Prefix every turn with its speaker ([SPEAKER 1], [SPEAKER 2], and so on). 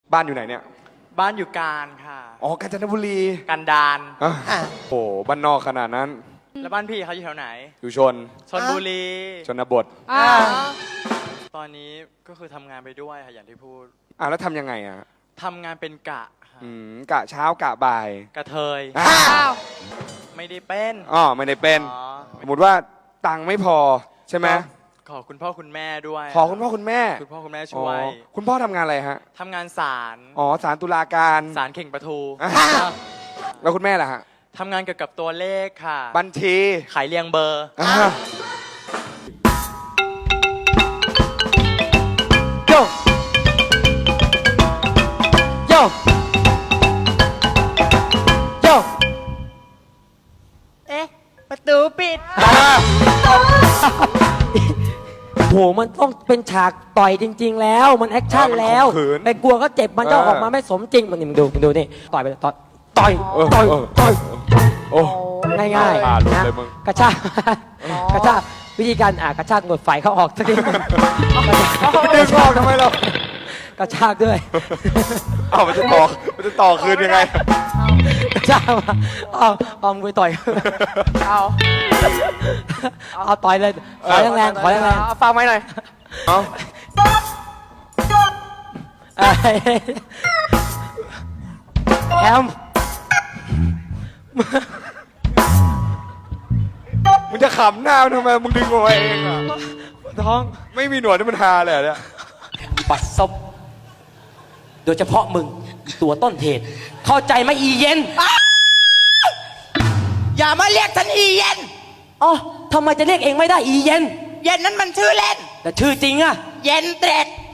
[SPEAKER 1] บ้านอยู่ไหนเนี่ย
[SPEAKER 2] บ้านอยู่การค่ะ
[SPEAKER 1] อ๋อกาญจนบุรี
[SPEAKER 2] กันดาร
[SPEAKER 1] โอ้บ้านนอกขนาดนั้น
[SPEAKER 2] แล้วบ้านพี่เขาอยู่แถวไหน
[SPEAKER 1] อยู่ชน
[SPEAKER 2] ชลบุรี
[SPEAKER 1] ชนบท
[SPEAKER 2] ตอนนี้ก็คือทำงานไปด้วยค่ะอย่างที่พูด
[SPEAKER 1] แล้วทำยังไงอ่ะ
[SPEAKER 2] ทำงานเป็นกะค่ะ
[SPEAKER 1] กะเช้ากะบ่าย
[SPEAKER 2] กระเทย
[SPEAKER 1] อ้าว
[SPEAKER 2] ไม่ได้เป็น
[SPEAKER 1] ไม่ได้เป็น
[SPEAKER 2] อ๋อ
[SPEAKER 1] สมมติว่าตังค์ไม่พอใช่ไหม
[SPEAKER 2] ขอคุณพ่อคุณแม่ด้วย
[SPEAKER 1] ขอคุณพ่อคุณแม่
[SPEAKER 2] คุณพ่อคุณแม่ช่วย
[SPEAKER 1] คุณพ่อทำงานอะไรฮะ
[SPEAKER 2] ทำงานศาล
[SPEAKER 1] ศาลตุลาการ
[SPEAKER 2] ศาลเข่งประทู
[SPEAKER 1] แล้วคุณแม่ล่ะฮะ
[SPEAKER 2] ทำงานเกี่ยวกับตัวเลขค่ะ
[SPEAKER 1] บัญชี
[SPEAKER 2] ขายเรียงเบอร์
[SPEAKER 3] โยโยโย
[SPEAKER 4] เอ๊ะ ประตูปิด
[SPEAKER 3] โหมันต้องเป็นฉากต่อยจริง ๆ แล้วมันแอคชั่นแล้ว
[SPEAKER 1] มันข่มขืน
[SPEAKER 3] ไปกลัวเขาเจ็บมันจะออกมาไม่สมจริงมันนี่มึงดูนี่ต่อยไปเลยต่อย
[SPEAKER 1] เออ โอ้
[SPEAKER 3] ง่าย
[SPEAKER 1] หลุด
[SPEAKER 3] ๆนะ
[SPEAKER 1] เลยมึง
[SPEAKER 3] กระชากกระชากวิธีการกระชากหนวดไฟเขาออกสักที
[SPEAKER 1] ดึงออกทำไมเรา
[SPEAKER 3] กระชากด้วย
[SPEAKER 1] มันจะต่อคืนยังไง
[SPEAKER 3] กระชากมาเอามือต่อย เอาต่อยเลยขอแรงๆขอแรง
[SPEAKER 4] เอาฟังไหมหน่อย
[SPEAKER 1] เอา
[SPEAKER 3] ๆแอม
[SPEAKER 1] มึงจะขำหน้ามันทำไมมึงดึงออกมาเองอ่ะ
[SPEAKER 3] ท้อง
[SPEAKER 1] ไม่มีหนวดที่มันฮาเลยเหรอเนี่ย
[SPEAKER 3] ปัดซบโดยเฉพาะมึงตัวต้นเหตุ เข้าใจไหมอีเย็น
[SPEAKER 4] อย่ามาเรียกฉันอีเย็น
[SPEAKER 3] อ๋อทำไมจะเรียกเองไม่ได้อีเย็น
[SPEAKER 4] เย็นนั้นมันชื่อเล่น
[SPEAKER 3] แต่ชื่อจริงอะ
[SPEAKER 4] เย็นเตร็ด